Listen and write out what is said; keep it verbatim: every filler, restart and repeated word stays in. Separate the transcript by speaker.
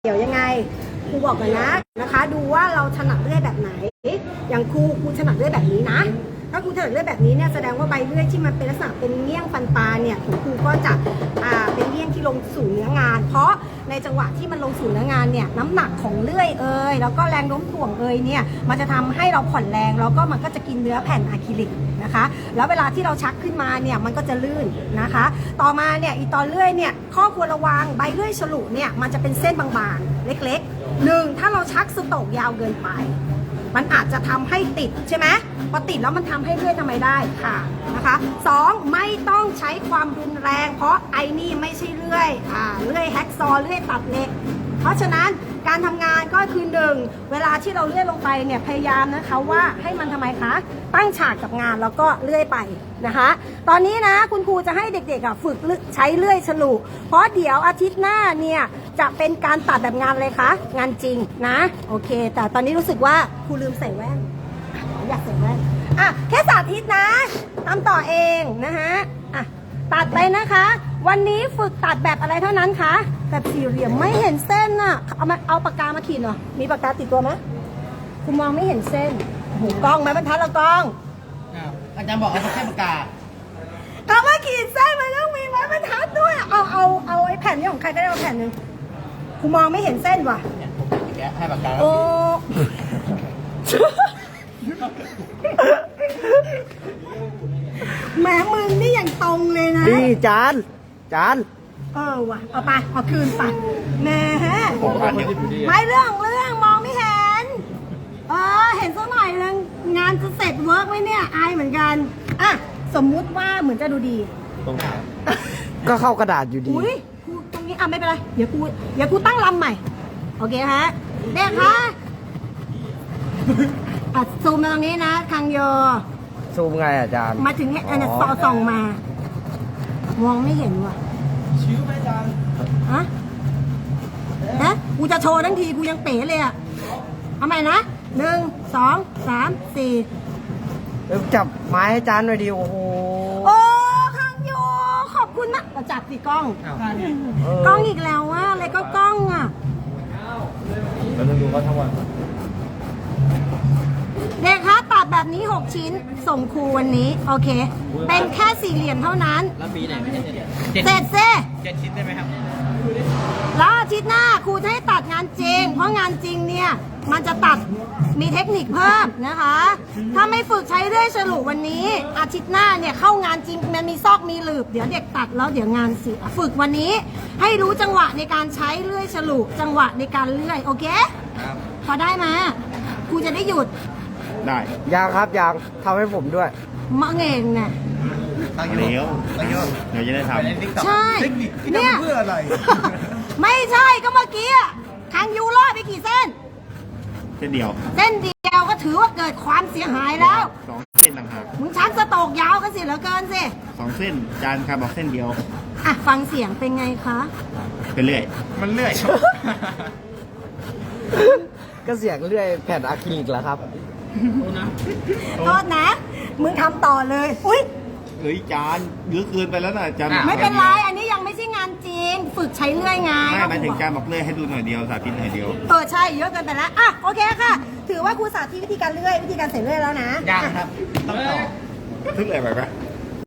Speaker 1: เดี๋ยวยังไงครูบอกกันนะนะคะ ดูว่าเราถนัดเลื่อยแบบไหนอย่างครูครูถนัดเลื่อยแบบนี้นะถ้าครูถนัดเลื่อยแบบนี้เนี่ยแสดงว่าใบเลื่อยที่มันเป็นลักษณะเป็นเงี้ยงฟันปลาเนี่ยของครูก็จะอ่าเป็นเงี้ยงที่ลงสู่เนื้องาน เพราะในจังหวะที่มันลงสู่เนื้องานเนี่ยน้ำหนักของเลื่อยเอ่ยแล้วก็แรงโน้มถ่วงเอ่ยเนี่ยมันจะทำให้เราผ่อนแรงแล้วก็มันก็จะกินเนื้อแผ่นอะคริลิกนะคะแล้วเวลาที่เราชักขึ้นมาเนี่ยมันก็จะลื่นนะคะต่อมาเนี่ยอีตอนเลื่อยเนี่ยข้อควรระวังใบเลื่อยฉลุเนี่ยมันจะเป็นเส้นบางๆเล็กๆหนึ่งถ้าเราชักสโตรกยาวเกินไปมันอาจจะทำให้ติดใช่ไหมพอติดแล้วมันทำให้เลื่อยทำไมได้ค่ะนะคะสองไม่ต้องใช้ความรุนแรงเพราะไอ้นี่ไม่ใช่เลื่อยอ่าเลื่อยแฮกซอเลื่อยตัดเหล็กเพราะฉะนั้นการทำงานก็คือหนึ่งเวลาที่เราเลื่อยลงไปเนี่ยพยายามนะคะว่าให้มันทำไมคะตั้งฉากกับงานแล้วก็เลื่อยไปนะคะตอนนี้นะคุณครูจะให้เด็กๆฝึกใช้เลื่อยฉลุเพราะเดี๋ยวอาทิตย์หน้าเนี่ยจะเป็นการตัดแบบงานเลยคะงานจริงนะโอเคแต่ตอนนี้รู้สึกว่าครูลืมใส่แว่นอยากใส่แว่นอ่ะแค่สาธิตนะทำต่อเองนะคะอ่ะตัดไปนะคะวันนี้ฝึกตัดแบบอะไรเท่านั้นคะแบบสี่เหลี่ยมไม่เห็นเส้นน่ะเอามาเอาปากกามาขีดหน่อยมีปากกาติดตัวไหมคุณมองไม่เห็นเส้นหูกล้องไหมบรรทัดละกล้อง
Speaker 2: อาจารย์บอกเอาแค่ปากกา
Speaker 1: คำว่าขีดเส้นมันต้องมีไม้บรรทัดด้วยเอาเอาเอาไอ้แผ่นนี้ของใครก็ได้เอาแผ่นหนึ่งคุณมองไม่เห็นเส้นว่ะ
Speaker 2: เนี่ยผมติดแกให้ปากกา
Speaker 1: โอ้แหมมึงนี่อย่างตรงเลยนะ
Speaker 3: นี่จานจาน
Speaker 1: เออว่ะเอาไปเอาคืนไปแหมไม่เรื่องเรื่องมองไม่เห็นเออเห็นสักหน่อยนึงงานจะเสร็จเวิร์กไหมเนี่ยอายเหมือนกันอ่ะสมมุติว่าเหมือนจะดูดี
Speaker 3: ตรงไหนก็เข้ากระดาษอยู่ดี
Speaker 1: อุ้ยครูตรงนี้อ่ะไม่เป็นไรเดี๋ยวกูเดี๋ยวกูตั้งลำใหม่โอเคฮะเด็กคะอ่ะซูมมาตรงนี้นะคังโย
Speaker 3: ซูมไงอาจารย์
Speaker 1: มาถึงเนี่ยอันนี้ซอส่องมามองไม่เห็นว่ะ
Speaker 2: ชิวไหมอาจารย์
Speaker 1: ฮะฮะกูจะโชว์ทั้งทีกูยังเป๋เลยอ่ะเอาใหม่นะหนึ่งสองสามสี่
Speaker 3: จับไม้ให้จานหน่อยดิโอ้โห
Speaker 1: โอ้คังโยขอบคุณมากจับสิกล้องกล้องอีกแล้วว่าอะไรก็กล้องอ่ะ
Speaker 3: เราต้องดูเขาทั้งวัน
Speaker 1: เด็กคะตัดแบบนี้หกชิ้นส่งครูวันนี้โอเคเป็นแค่สี่เหลี่ยมเท่านั้น
Speaker 2: แล้วปีไหนไม่ใช่
Speaker 1: เสร็จเซ่
Speaker 2: เจ็ดชิ้นได้ไหมครับ
Speaker 1: แล้วอาทิตย์หน้าครูจะให้ตัดงานจริงเพราะงานจริงเนี่ยมันจะตัดมีเทคนิคเพิ่มนะคะถ้าไม่ฝึกใช้เลื่อยฉลุวันนี้อาทิตย์หน้าเนี่ยเข้างานจริงมันมีซอกมีหลืบเดี๋ยวเด็กตัดแล้วเดี๋ยวงานเสียฝึกวันนี้ให้รู้จังหวะในการใช้เลื่อยฉลุจังหวะในการเลื่อยโอเคพอได้ไหมครูจะได้หยุด
Speaker 3: ได้ยางครับยางทำให้ผมด้วย
Speaker 1: มะเงงเนี่ย
Speaker 3: ตั้งเดี๋ยวตั้งเยอะเดี๋ยวจะได้ท
Speaker 1: ำใช่เนี่ยเพื่ออะไรไม่ใช่ก็เมื่อกี้ทางยูรอดไปกี่เส้น
Speaker 3: เส้นเดียว
Speaker 1: เส้นเดียวก็ถือว่าเกิดความเสียหายแล้ว
Speaker 3: สองเส้นต่างหาก
Speaker 1: มึงชันสโตกยาวกันสิเหลือเกินสิ
Speaker 3: สองเส้นจานครับบอกเส้นเดียว
Speaker 1: อ่ะฟังเสียงเป็นไงคะ
Speaker 3: เป็นเลื่อย
Speaker 2: มันเลื่อย
Speaker 3: ก็เสียงเลื่อยแผ่นอะคริลิกแล้วครับ
Speaker 1: โทษนะมึงทำต่อเลยอุ้ย
Speaker 3: เฮ้ยจานเยอะเกินไปแล้วนะจาน
Speaker 1: ไม่เป็นไรอันนี้ยังไม่ใช่งานจริงฝึกใช้เลื่อยไง
Speaker 3: ไม่หมายถึงจานบอกเลื่อยให้ดูหน่อยเดียวสาธิตหน่อยเดียว
Speaker 1: เออใช่เยอะเกินไปแล้วอ่ะโอเคค่ะถือว่าครูสาธิตวิธีการเลื่อยวิธีการใส่เลื่อยแล้วนะ
Speaker 2: ยังครับต้องต่อ
Speaker 3: ทึกอะไรไปปะ